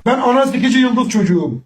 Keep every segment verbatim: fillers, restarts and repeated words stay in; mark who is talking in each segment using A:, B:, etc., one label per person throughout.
A: Ben ana sikici yıldız çocuğum.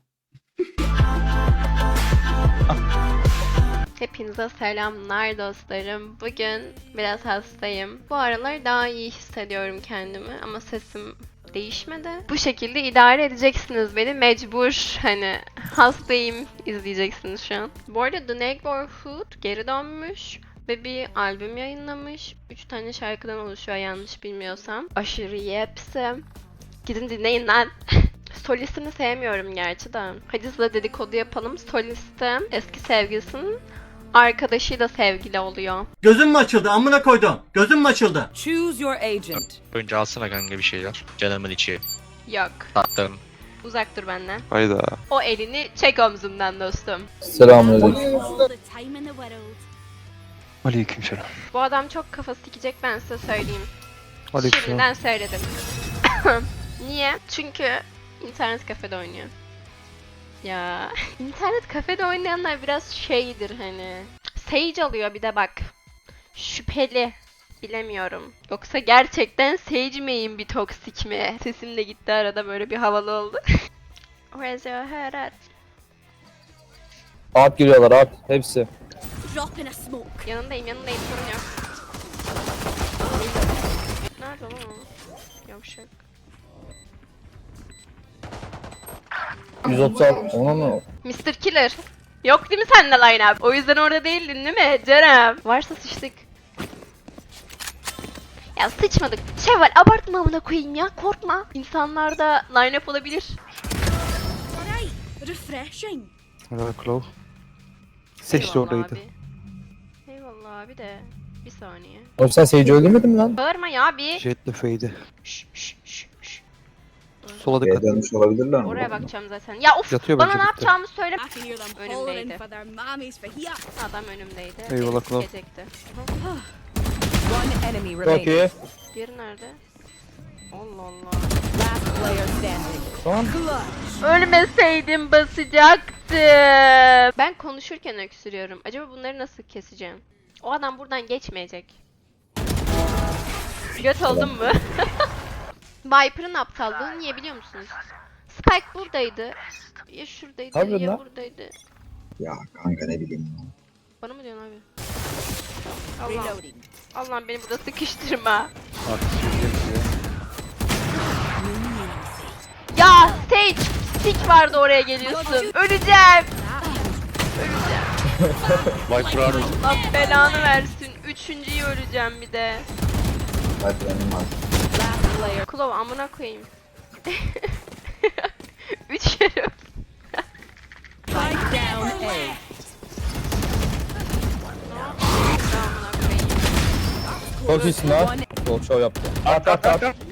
B: Hepinize selamlar dostlarım. Bugün biraz hastayım. Bu aralar daha iyi hissediyorum kendimi ama sesim değişmedi. Bu şekilde idare edeceksiniz beni. Mecbur hani hastayım izleyeceksiniz şu an. Bu arada The Neighborhood geri dönmüş ve bir albüm yayınlamış. üç tane şarkıdan oluşuyor yanlış bilmiyorsam. Aşırı iyi hepsi. Gidin dinleyin lan. Solistini sevmiyorum gerçi de. Hadi size dedikodu yapalım. Solisti eski sevgilisinin arkadaşıyla sevgili oluyor.
C: Gözüm mü açıldı amına koydum? Gözüm mü açıldı?
D: Choose your agent.
E: Önce alsana kanka bir şeyler. Canımın içi.
B: Yok.
E: Tatlım.
B: Uzak dur benden.
F: Hayda.
B: O elini çek omzumdan dostum.
F: Selamünaleyküm.
G: all the time in the world.
F: Aleykümselam.
B: Bu adam çok kafa sikecek ben size söyleyeyim.
F: Aleykümselam.
B: Şimdiden söyledim. Niye? Çünkü internet kafede oynuyor. Ya internet kafede oynayanlar biraz şeydir hani. Sage alıyor bir de bak. Şüpheli. Bilemiyorum. Yoksa gerçekten Sage miyim bir toksik mi? Sesim de gitti arada böyle bir havalı oldu. Where's your head at?
F: At giriyorlar at. Hepsi.
G: Drop in a smoke.
B: Yanındayım yanındayım sorun yok. Nerede lan o? Yavşak.
F: yüz otuz altı. Ona mı?
B: mister Killer. Yok değil mi sende line up? O yüzden orada değildin değil mi Cerem? Varsa sıçtık. Ya sıçmadık. Şevval abartma amına koyayım ya korkma. İnsanlarda line up olabilir.
G: Alright, refreshing.
F: Helal Claw. Seç de
B: Eyvallah
F: oradaydı.
B: abi. Eyvallah abi de. Bir saniye.
F: Oğlum sen Sage'i öldürmedin mi lan?
B: Bağırma ya bir.
F: Jet'le Fade'i.
B: Şş şş şş şş.
F: Sola dikkat.
H: Dönmüş olabilirler mi?
B: Oraya bakacağım zaten. Ya of
F: Yatıyor
B: bana
F: bence
B: ne
F: bitti.
B: yapacağımı söyle.
G: I can hear them
B: Önümdeydi.
G: hollering for their mammies for here.
B: Adam önümdeydi.
F: Eyvallah,
B: Beni
F: kral.
B: sikecekti.
D: One enemy
F: Çok
D: remaining.
F: iyi.
B: Diğeri nerede? Allah Allah.
D: Last player standing.
F: Tamam.
B: Ölmeseydim basacaktım. Ben konuşurken öksürüyorum. Acaba bunları nasıl keseceğim? O adam buradan geçmeyecek. Göt oldum mu? Viper'ın aptallığı niye biliyor musunuz? Spike buradaydı. Ya şuradaydı
F: Harbiden
B: ya
F: lan.
B: buradaydı.
H: Ya kanka ne bileyim ya.
B: Bana mı diyorsun abi? Allah'ım.
D: Reloading.
B: Allah'ım beni burada sıkıştırma. Ya Sage! Sik vardı oraya geliyorsun. Öleceğim. Öleceğim.
E: Viper abi.
B: Allah belanı versin. Üçüncüyü öleceğim bir de.
H: Hadi benim var.
D: Last player.
B: Klov amına koyayım. Üç kere.
D: Spike down A.
B: Amına koyayım.
F: Çok iyisin lan. Çok show yaptı. At at at.
B: Gel Allah.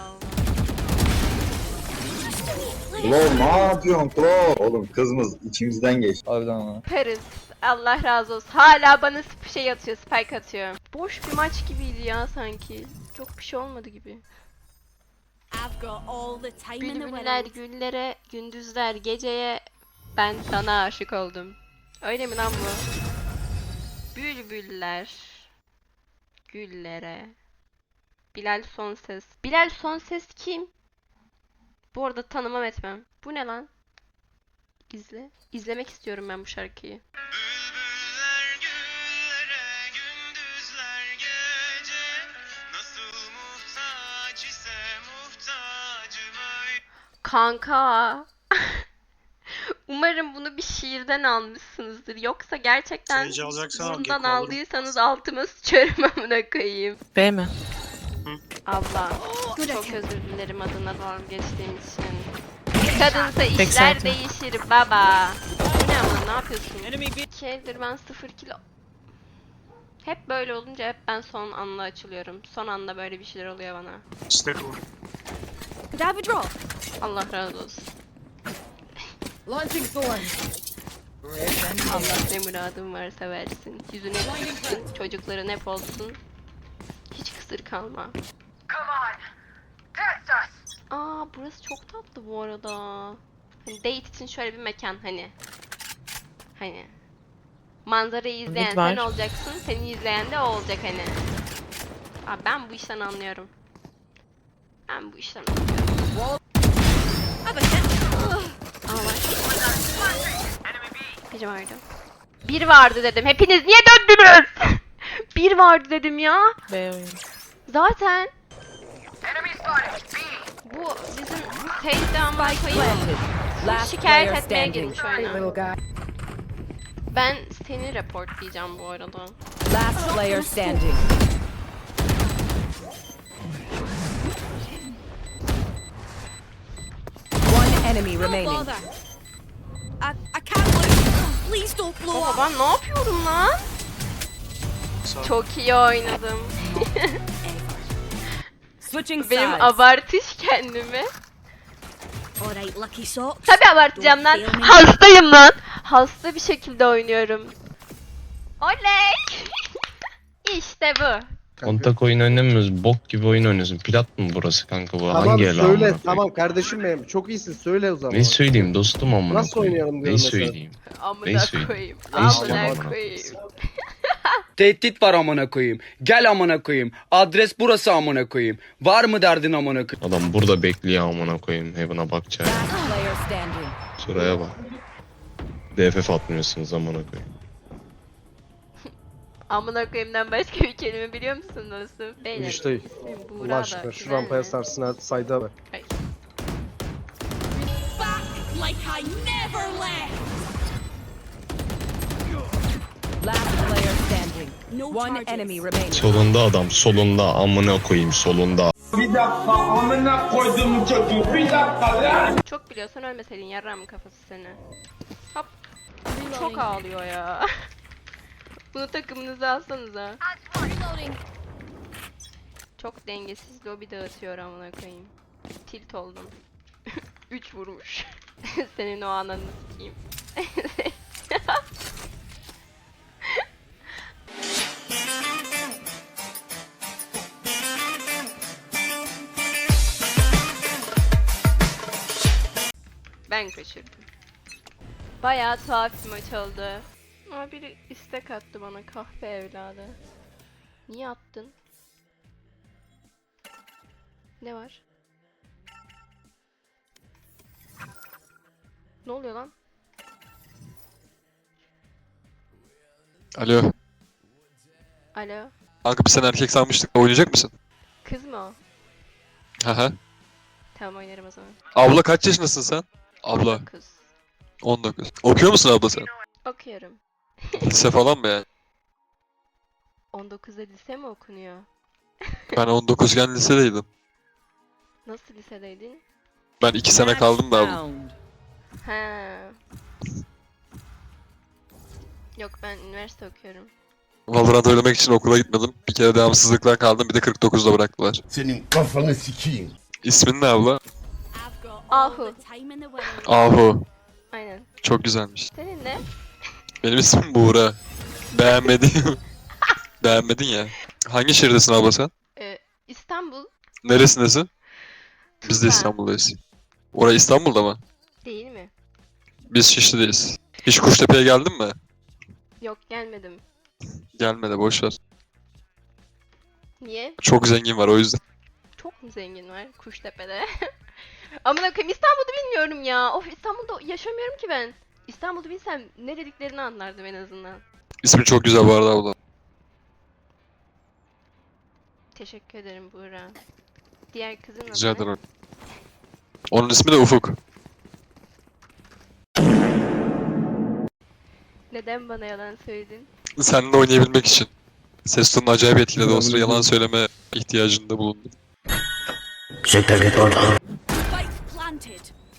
H: Klo ne yapıyorsun Klo? Oğlum kızımız içimizden geçti.
F: Harbiden ama.
B: Paris. Allah razı olsun. Hala bana sp- şey atıyor, spike atıyor. Boş bir maç gibiydi ya sanki. Çok bir şey olmadı gibi.
G: I've got all the time in the
B: Bülbüller
G: world.
B: güllere, gündüzler geceye, ben sana aşık oldum. Öyle mi lan bu? Bülbüller güllere. Bilal Sonses. Bilal Sonses kim? Bu arada tanımam etmem. Bu ne lan? İzle. İzlemek istiyorum ben bu şarkıyı.
I: Bülbüller güllere, gündüzler gece. Nasıl muhtaç ise muhtacım öyle.
B: Kanka. Umarım bunu bir şiirden almışsınızdır. Yoksa gerçekten
I: Sage alacaksan al,
B: bundan
I: Gekko alırım.
B: aldıysanız altıma sıçarım amına koyayım.
D: B mi?
B: Abla çok özür dilerim adına dalga geçtiğim için. Kadınsa işler
D: zaten.
B: değişir baba. Bu ne ama ne yapıyorsun? İki eldir ben sıfır kilo. Hep böyle olunca hep ben son anda açılıyorum. Son anda böyle bir şeyler oluyor bana.
I: İşte bu.
G: Could I have a drop?
B: Allah razı olsun.
D: Launching thorn.
B: Allah ne muradın varsa versin. Yüzüne gülsün, çocukların hep olsun. Hiç kısır kalma. Aa burası çok tatlı bu arada. Hani date için şöyle bir mekan hani. Hani. Manzarayı izleyen
D: Mid
B: sen
D: var.
B: olacaksın, seni izleyen de o olacak hani. Aa, ben bu işten anlıyorum. Ben bu işten anlıyorum.
G: Have a hit.
B: Enerji vardı. Bir vardı dedim. Hepiniz niye döndünüz? Bir vardı dedim ya. Zaten bu bizim Tate'de ama
D: Spike planted. Last
B: şikayet
D: player
B: etmeye
D: standing.
B: girmiş oyuna. Ben seni reportlayacağım bu arada.
D: Last player standing. One enemy
G: No
D: remaining.
G: bother. I, I can't lose. Please don't blow
B: Baba
G: up.
B: ben ne yapıyorum lan? Çok iyi oynadım.
D: Switching
B: Benim
D: sides.
B: abartış kendimi.
G: Alright, lucky socks.
B: Tabii abartacağım lan.
G: Don't fail me.
B: Hastayım lan. Hasta bir şekilde oynuyorum. Oley! İşte bu.
F: Kontak oyun oynamıyoruz. Bok gibi oyun oynuyorsun. Plat mı burası kanka bu?
A: Tamam
F: Hangi el amına
A: söyle
F: koyayım?
A: tamam kardeşim benim. Çok iyisin söyle o zaman.
F: Ne söyleyeyim dostum amına
A: Nasıl
F: koyayım?
A: oynayalım
F: Ne
A: diyorum mesela.
F: söyleyeyim?
B: Amına
F: Neyse.
B: koyayım.
F: Neyse
B: Amına
F: amına
B: koyayım.
J: Tehdit var amına koyayım. Gel amına koyayım. Adres burası amına koyayım. Var mı derdin amına koyayım?
F: Adam burada bekliyor amına koyayım. Heaven'a bakacak.
D: Last player standing.
F: Şuraya bak. D F F atmıyorsunuz amına koyayım.
B: Amına koyayımdan başka bir kelime biliyor musun dostum? Beyler.
A: İşte
B: Buğra
A: Allah
B: da
A: aşkına şu
B: güzel
A: rampaya
B: mi?
A: sarsın sayda bak.
B: Hayır.
G: Back like I never left.
D: Last player standing.
G: No
D: One
G: charges.
D: enemy remaining.
F: Solunda adam. Solunda amına koyayım solunda.
B: Çok biliyorsan ölmeseydin yarram kafası seni. Hop. Çok ağlıyor ya. Bunu takımınıza alsanıza. Çok dengesiz lobi dağıtıyor amına koyayım. Tilt oldum. Üç vurmuş. Senin o ananı sikeyim. Ben kaçırdım. Bayağı tuhaf bir maç oldu. Aa, biri istek attı bana, kahpe evladı. Niye attın? Ne var? Ne oluyor lan?
I: Alo.
B: Alo.
I: Kanka biz sen erkek sanmıştık. Oynayacak mısın?
B: Kız mı o?
I: Haha.
B: Tamam oynarım o zaman.
I: Abla kaç yaşındasın sen? Abla.
B: Kız.
I: on dokuz. Okuyor musun abla sen?
B: Okuyorum.
I: Lise falan mı yani?
B: on dokuzda lise mi okunuyor?
I: Ben on dokuzken lisedeydim.
B: Nasıl lisedeydin?
I: Ben iki sene kaldım da abla.
D: Round.
B: Ha. Yok ben üniversite okuyorum.
I: Valorant oynamak için okula gitmedim. Bir kere devamsızlıktan kaldım. Bir de kırk dokuzda bıraktılar.
A: Senin kafanı sikeyim.
I: İsmin ne abla?
G: I've got all
B: Ahu.
G: the time in the world.
I: Ahu.
B: Aynen.
I: Çok güzelmiş.
B: Senin ne?
I: Benim ismim Buğra. Beğenmedin. Beğenmedin ya. Hangi şehirdesin abla sen?
B: Ee, İstanbul
I: Neresindesin? Biz de
B: Tuzla.
I: İstanbul'dayız. Orası İstanbul'da mı?
B: değil mi?
I: Biz Şişli'deyiz. Hiç Kuştepe'ye geldin mi?
B: Yok gelmedim.
I: Gelme de boş ver.
B: Niye?
I: Çok zengin var o yüzden.
B: Çok mu zengin var Kuştepe'de? Amına koyayım İstanbul'u bilmiyorum ya. Of İstanbul'da yaşamıyorum ki ben. İstanbul'u bilsem ne dediklerini anlardım en azından.
I: İsmin çok güzel bu arada abla.
B: Teşekkür ederim Buğra. Diğer kızın adı
I: Rica
B: ne?
I: ederim. Onun ismi de Ufuk.
B: Neden bana yalan söyledin?
I: Seninle oynayabilmek için. Ses tonunu acayip etkiledi. O sıra yalan söyleme ihtiyacında bulundum.
G: Spike planted.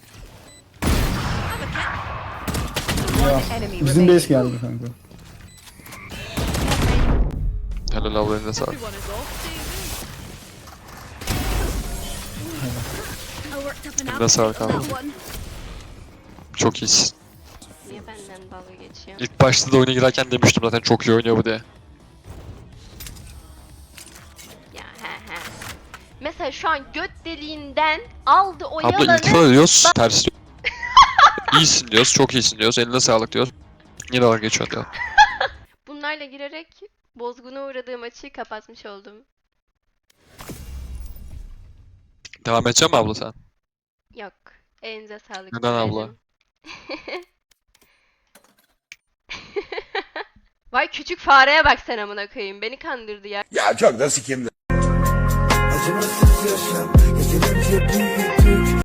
D: One enemy
A: Bizim
D: remaining.
A: base geldi kanka.
I: Helal abla eline sağlık.
G: I worked up an
I: Eline sağlık
G: appetite
I: abi.
G: for that one.
I: Çok iyisin.
B: Niye benden dalga geçiyor?
I: İlk başta da oyuna girerken demiştim zaten çok iyi oynuyor bu diye.
B: Ya he he. Mesela şu an göt deliğinden aldı o
I: Abla
B: yalanı.
I: iltifat ediyoruz. Ters diyor. İyisin diyoruz. Çok iyisin diyoruz. Eline sağlık diyoruz. Yine dalga geçiyorsun diyor.
B: Bunlarla girerek bozguna uğradığım maçı kapatmış oldum.
I: Devam edecek mi abla sen?
B: Yok. Elinize sağlık.
I: Neden abla?
B: Buğracığım. Vay küçük fareye bak sen amına koyayım. Beni kandırdı ya.
A: Ya çok da sikimdi.